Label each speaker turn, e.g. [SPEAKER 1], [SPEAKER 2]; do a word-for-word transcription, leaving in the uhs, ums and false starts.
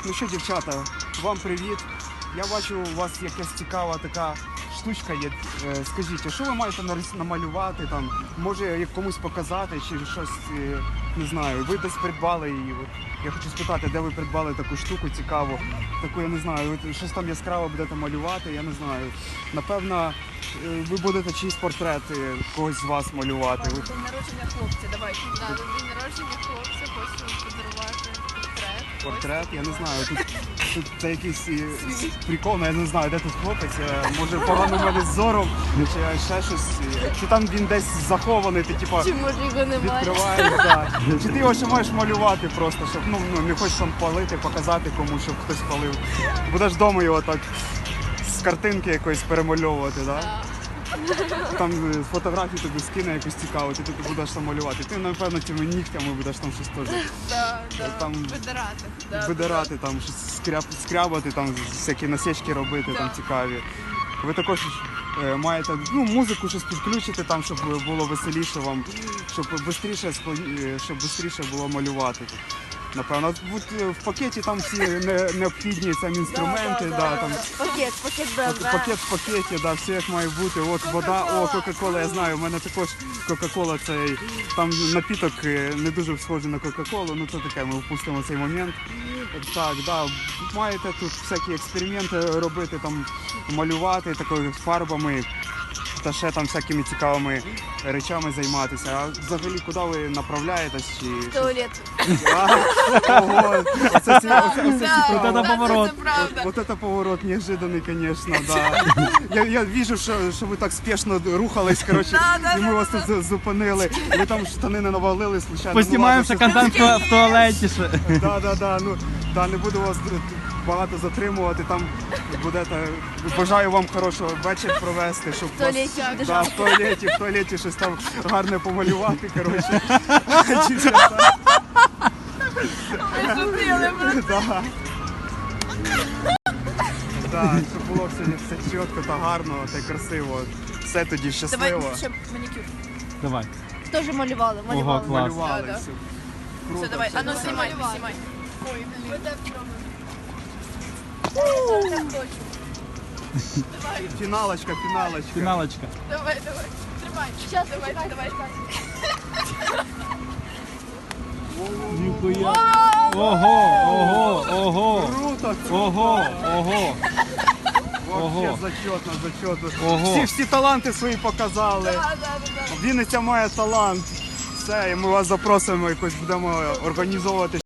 [SPEAKER 1] Ну що, дівчата, вам привіт. Я бачу, у вас якась цікава така штучка є. Е, Скажіть, а що ви маєте нарис- намалювати там? Може як комусь показати чи щось, е, не знаю, ви десь придбали її. От я хочу спитати, де ви придбали таку штуку цікаву, таку, я не знаю, ви щось там яскраво будете малювати, я не знаю. Напевно, е, ви будете чийсь портрет е, когось з вас малювати. Ви-
[SPEAKER 2] День народження хлопця, давай. Да, день народження хлопця, хочу подарувати портрет.
[SPEAKER 1] Портрет, я не знаю, тут, тут це якийсь е, прикол, я не знаю, де тут хлопець, е, може погано в мене з зором, чи ще щось, е, чи там він десь захований, ти типа
[SPEAKER 2] Чи може його немає?
[SPEAKER 1] відкриваєш, да. Чи ти його ще маєш малювати просто, щоб ну, ну не хочеш там палити, показати комусь, щоб хтось палив. Будеш вдома його так з картинки якоїсь перемальовувати, да? Там е, фотографію тобі скине якусь цікаву, ти тут будеш там малювати. Ти, напевно, тими нігтями будеш там щось теж.
[SPEAKER 2] Да, да.
[SPEAKER 1] Там
[SPEAKER 2] Видирати. Да,
[SPEAKER 1] видирати, там щось скряб, скрябати, там всякі насічки робити, там
[SPEAKER 2] Да.
[SPEAKER 1] цікаві. Ви також е, маєте ну, музику щось підключити, там, щоб було веселіше вам, щоб швидше щоб швидше було малювати. Напевно, От, е, в пакеті там всі не, необхідні там інструменти,
[SPEAKER 2] Да, да,
[SPEAKER 1] да,
[SPEAKER 2] да.
[SPEAKER 1] там,
[SPEAKER 2] Пакет, пакет
[SPEAKER 1] Пак-
[SPEAKER 2] БМВ.
[SPEAKER 1] пакет в пакеті, да, все як має бути. От вода, о, Кока-Кола, я знаю, у мене також Кока-Кола, цей там напіток е, не дуже схожий на Кока-Колу, ну це таке, ми впустимо цей момент. Так, да, маєте тут всякі експерименти робити, там малювати такою фарбами та ще там всякими цікавими речами займатися. А взагалі куди ви направляєтесь? Чи...
[SPEAKER 2] Туалет.
[SPEAKER 1] А, ого, оце, ці- оце, оце цікаво.
[SPEAKER 3] Вот это поворот.
[SPEAKER 2] Це правда.
[SPEAKER 1] Вот это поворот неожиданный, конечно, да. Я, я вижу, що, що ви так спешно рухались, коротше,
[SPEAKER 2] Да, да,
[SPEAKER 1] і ми
[SPEAKER 2] да,
[SPEAKER 1] вас тут за- зупинили. Ви там штани не навалили, случайно.
[SPEAKER 3] Поснімаємо ще
[SPEAKER 1] ну, ладно,
[SPEAKER 3] контент в в туалеті ще.
[SPEAKER 1] щось- Да, да, да, ну, да, не буду вас д- багато затримувати, там будете, бажаю вам хорошого вечір провести, щоб
[SPEAKER 2] В туалеті
[SPEAKER 1] вас,
[SPEAKER 2] буде
[SPEAKER 1] да,
[SPEAKER 2] жарко.
[SPEAKER 1] в туалеті, в туалеті щось там гарне помалювати, коротше. Дівчата,
[SPEAKER 2] Зустріли,
[SPEAKER 1] да. Так, щоб було все, все чітко та гарно та й красиво. Все тоді
[SPEAKER 2] Давай
[SPEAKER 1] щасливо.
[SPEAKER 2] ще манікюр.
[SPEAKER 3] Давай.
[SPEAKER 2] Теж малювали,
[SPEAKER 3] Ого,
[SPEAKER 2] малювали.
[SPEAKER 3] клас.
[SPEAKER 1] Малювали
[SPEAKER 2] Да, да.
[SPEAKER 1] все. Круто,
[SPEAKER 2] Все, давай,
[SPEAKER 1] все
[SPEAKER 2] а ну
[SPEAKER 1] добре.
[SPEAKER 2] знімай, знімай. Ой, блін.
[SPEAKER 1] Фіналочка, фіналочка.
[SPEAKER 3] Фіналочка.
[SPEAKER 2] Давай, давай. Тримай. Сейчас, давай, давай.
[SPEAKER 3] Ніхуя. Ого, ого, ого.
[SPEAKER 1] Круто, круто.
[SPEAKER 3] Ого, ого.
[SPEAKER 1] Вообще
[SPEAKER 3] Ого.
[SPEAKER 1] зачетно, зачетно.
[SPEAKER 3] Ого.
[SPEAKER 1] Всі, всі таланти свої показали.
[SPEAKER 2] Да, да, да, да.
[SPEAKER 1] Вінниця має талант. Все, і ми вас запросимо, якось будемо організовувати